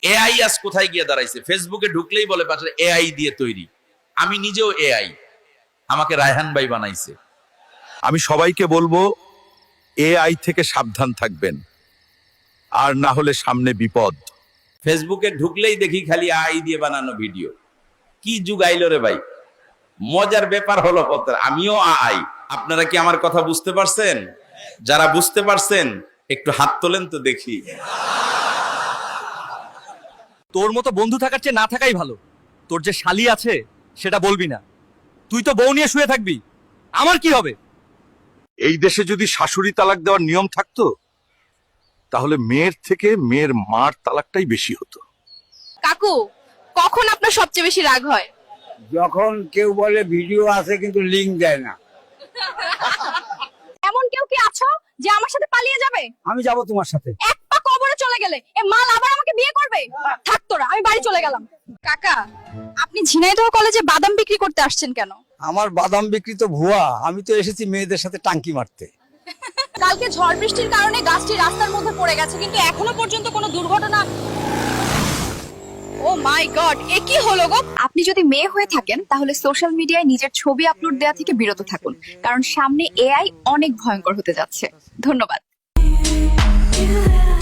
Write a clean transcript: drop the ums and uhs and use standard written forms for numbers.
AI আজ কোথায় গিয়ে দাঁড়াইছে? ফেসবুকে ঢুকলেই বলে পাশে এআই দিয়ে তৈরি। আমি নিজেও এআই, আমাকে রায়হান ভাই বানাইছে। আমি সবাইকে বলবো এআই থেকে সাবধান থাকবেন, আর না হলে সামনে বিপদ। ফেসবুকে ঢুকলেই দেখি খালি আই দিয়ে বানানো ভিডিও। কি যুগ আইলো রে ভাই! মজার ব্যাপার হলো কথা, আমিও আই। আপনারা কি আমার কথা বুঝতে পারছেন? যারা বুঝতে পারছেন একটু হাত তোলেন তো দেখি। তোর মতো বন্ধু থাকার চেয়ে না থাকাই ভালো। তোর যে শালি আছে সেটা বলবি না। তুই তো বউ নিয়ে শুয়ে থাকবি, আমার কি হবে? এই দেশে যদি শাশুড়ি তালাক দেওয়ার নিয়ম থাকতো, তাহলে মেয়ের থেকে মেয়ের মার তালাকটাই বেশি হতো। কাকু, কখন আপনার সবচেয়ে বেশি রাগ হয়? যখন কেউ বলে ভিডিও আছে কিন্তু লিংক দেয় না। এমন কেউ কি আছো যে আমার সাথে পালিয়ে যাবে? আমি যাব তোমার সাথে। এক পা কবরে চলে গেলে এ মাল আবার আমাকে বিয়ে করবে? থাক তোরা, আমি বাড়ি চলে গেলাম। কাকা, আপনি ঝিনাইদহ কলেজে বাদাম বিক্রি করতে আসছেন কেন? আমার বাদাম বিক্রি তো ভুয়া, আমি তো এসেছি মেয়েদের সাথে টাঙ্কি মারতে। কালকে ঝড় বৃষ্টির কারণে গাছটি রাস্তার মধ্যে পড়ে গেছে, কিন্তু এখনো পর্যন্ত কোনো দুর্ঘটনা। ও মাই গড, এ কি হলো গো? আপনি যদি মেয়ে হয়ে থাকেন তাহলে সোশ্যাল মিডিয়ায় নিজের ছবি আপলোড দেওয়া থেকে বিরত থাকুন, কারণ সামনে এআই অনেক ভয়ঙ্কর হতে যাচ্ছে। ধন্যবাদ।